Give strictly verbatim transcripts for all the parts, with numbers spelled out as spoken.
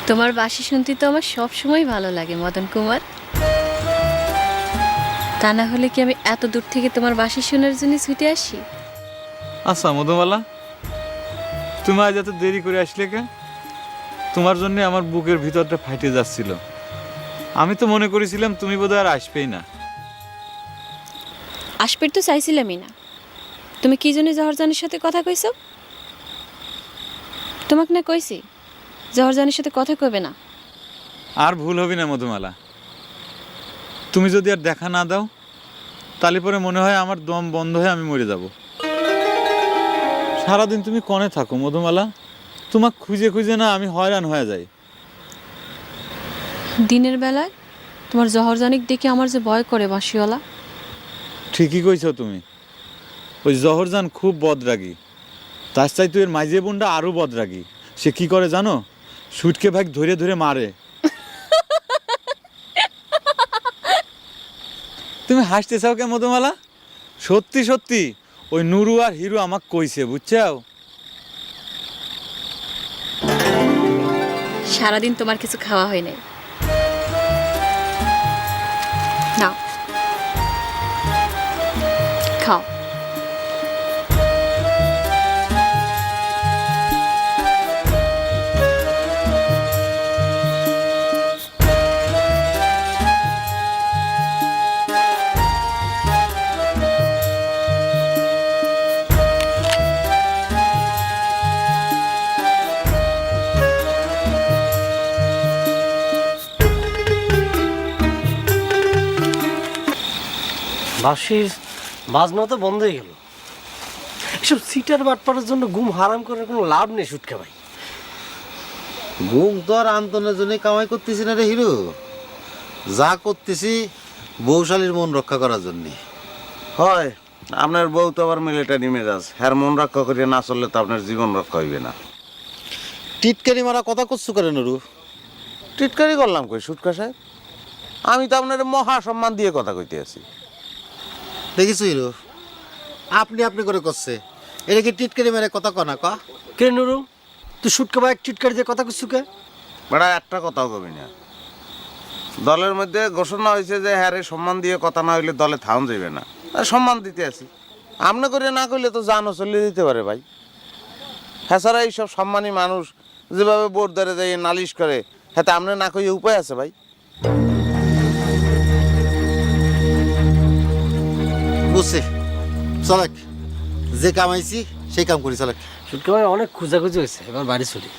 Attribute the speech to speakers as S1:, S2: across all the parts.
S1: তোমার বাঁশি শুনতে তো আমার সব সময় ভালো লাগে মদন কুমার। তা না হলে কি আমি এত দূর থেকে তোমার বাঁশি শোনার জন্য ছুটে আসি?
S2: আচ্ছা মধুমালা, তুমি আজ এত দেরি করে আসলে কে? তোমার জন্য আমার বুকের ভিতরটা ফাইটে যাচ্ছিল। আমি তো মনে করেছিলাম তুমি বোধহয় আর আসবেই না।
S1: আসবে তো চাইছিলামই না। তুমি কি জন্য জহরজানের সাথে কথা কইছো? তোমাকে না কইছি জহরজানের সাথে কথা কইবে না।
S2: আর ভুল হবে না মধুমালা, তুমি যদি আর দেখা না দাও তাহলে পরে মনে হয় আমার দম বন্ধ হয়ে আমি মরে যাব। সারাদিন তুমি কনে থাকো মধুমালা? তোমাকে খুঁজে খুঁজে না আমি হয়রান হয়ে যাই।
S1: দিনের বেলায় তোমার জহরজানিক দেখে আমার যে ভয় করে বাঁশিওয়ালা।
S2: ঠিকই কইছো তুমি, ওই জহরজান খুব বদরাগী। তার চাই তুই এর মাইজে বোনটা আরও বদরাগী। সে কি করে জানো? সুটকে ভাগ ধরে ধরে মারে। তুমি হাসতে চাও কে মধুমালা? সত্যি সত্যি ওই নুরু আর হিরু আমাকে কইছে, বুঝছাও?
S1: সারাদিন তোমার কিছু খাওয়া হয় নাই। নাও খাও।
S3: বাঁশির বাজনা তো বন্ধ হয়ে গেল। এসব সিটার বাটপাড়ার জন্য ঘুম হারাম করার কোনো লাভ নেই সুটকা ভাই।
S4: ঘুম তো আর আন্তনের জন্য কামাই করতেছি না রে হিরো, যা করতেছি বৌশালীর মন রক্ষা করার জন্যে।
S5: হয় আপনার বউ তো আবার মিলিটারি মেজাজ, হ্যার মন রক্ষা করিয়া না চললে তো আপনার জীবন রক্ষা হইবে না।
S4: টিটকারি মারা কথা করছো করে নুরু?
S5: টিটকারি করলাম কই সুটকা সাহেব? আমি তো আপনার মহা সম্মান দিয়ে কথা কইতে আছি।
S4: দেখিস হিরো, আপনি আপনি করে করছে, এটা কি টিটকারি মেরে কথা কনা ক?
S3: কে নুরু, তুই সুটকা ভাই চিটকারি দিয়ে কথা করছু কে?
S5: বেড়া একটা কথাও কবি না। দলের মধ্যে ঘোষণা হয়েছে যে হ্যাঁ রে সম্মান দিয়ে কথা না হইলে দলে থাউন যাইবে না, আর সম্মান দিতে আছি। আপনি করে না করলে তো জানও চলে দিতে পারে ভাই। হ্যাঁ ছাড়া এইসব সম্মানী মানুষ যেভাবে বোর্ড ধরে যাই নালিশ করে, হ্যাঁ আপনি না কইয়ে উপায় আছে ভাই?
S4: বুঝছি, চলেক যে কামাইছি সেই কাম করি, চলেক।
S3: সুটকা ভাই অনেক খোঁজাখুঁজি হয়েছে, এবার বাড়ি চলি।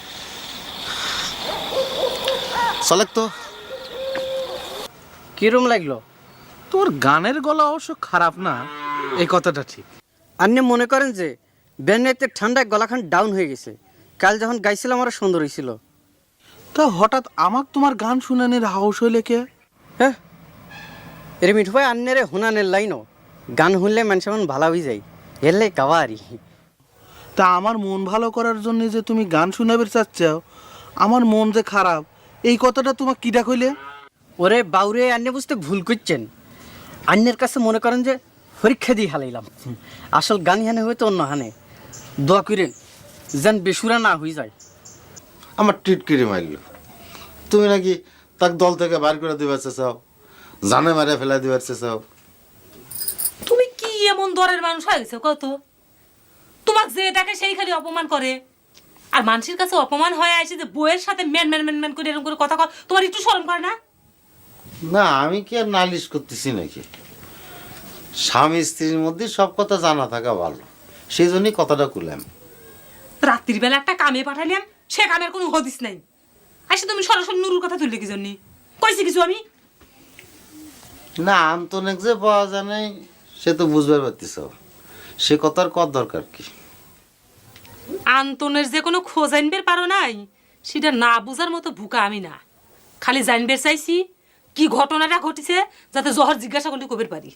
S4: চলেক তো।
S3: কিরম লাগলো?
S6: তোর গানের গলা অবশ্য খারাপ না, এই কথাটা ঠিক।
S7: আপনি মনে করেন যে ব্যান্ডেতে ঠান্ডায় গলাখান ডাউন হয়ে গেছে? কাল যখন গাইছিলাম আরো সুন্দর হয়েছিল।
S6: তা হঠাৎ আমাক তোমার গান শুনানির হাউস হইলে কে?
S7: হ্যাঁ, এর মিঠু ভাই আন্নারে হুনানের লাইনও গান শুনলে মানুষ মন ভালো হয়ে যায়, এলে কাবারি।
S6: তা আমার মন ভালো করার জন্য যে তুমি গান শুনাবে চাচ্ছাও, আমার মন যে খারাপ এই কথাটা তোমার কিডা কইলে?
S7: ওরে বাউরে, আন্নে বুঝতে ভুল করছেন। আন্নের কাছে মনে করেন যে পরীক্ষা দিয়ে হালাইলাম, আসল গান হানে হয়তো অন্য হানে। দোয়া করেন যেন বেসুরা না হয়ে যায়।
S4: আমার টিটকিরি মারল, তুমি নাকি তাক দল থেকে বার করে দিবার চাও, জানে মারে ফেলা দিবার চাও।
S8: তুমি কি এমন দরের মানুষ হয়ে গেছো কত? তোমাকে যে ডাকে সেই খালি অপমান করে, আর মানুষের কাছে অপমান হয়ে আসে যে বইয়ের সাথে ম্যান ম্যান ম্যান ম্যান করে এরকম করে কথা কয়, তোমার একটু শরম করে না?
S4: না আমি কি আর নালিশ করতেছি নাকি? স্বামী স্ত্রীর মধ্যে সব কথা জানা থাকা ভালো, সেই জন্যই কথাটা কুলাম।
S8: রাত্রির বেলা একটা কামে পাঠাইলাম, সে কামের কোনো হদিস নাই। আসে তুমি সরাসরি নুরুর কথা তুললে কি জন্য? কইছি কিছু আমি?
S4: না আন্তনিক যে পাওয়া যায় নাই সে তো বুঝবার পারতিস, সে কথার কত দরকার কি?
S8: আন্তনের যে কোনো খোঁজ আনবের পারো নাই, সেটা না বুঝার মতো ভুকা আমি না। খালি জানবের চাইছি কি ঘটনাটা ঘটিছে, যাতে জহর জিজ্ঞাসা করলে কবের পারি।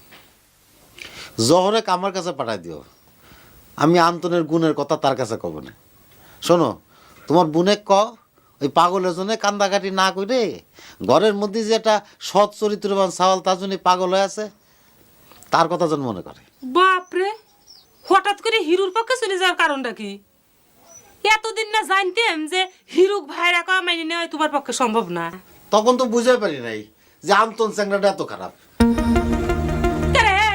S4: জহরে আমার কাছে পাঠাই দিও, আমি আন্তনের গুণের কথা তার কাছে কব না। শোনো, তোমার বুনে ক ওই পাগলের জন্য কান্দাকাটি না করে ঘরের মধ্যে যে একটা সৎ চরিত্রবান সাওয়াল তার জন্য পাগল হয়ে আছে, তার কথা যেন মনে করে।
S8: বাপরে, হঠাৎ করে হিরুর পক্ষে চলে যাওয়ার কারণটা কি? এতদিন না জানতাম যে হিরুক ভাইরা কা মেনে নেওয়া তোমার পক্ষে সম্ভব না।
S4: তখন তো বুঝতে পারি নাই যে আন্তন চ্যাংরাটা এত খারাপ।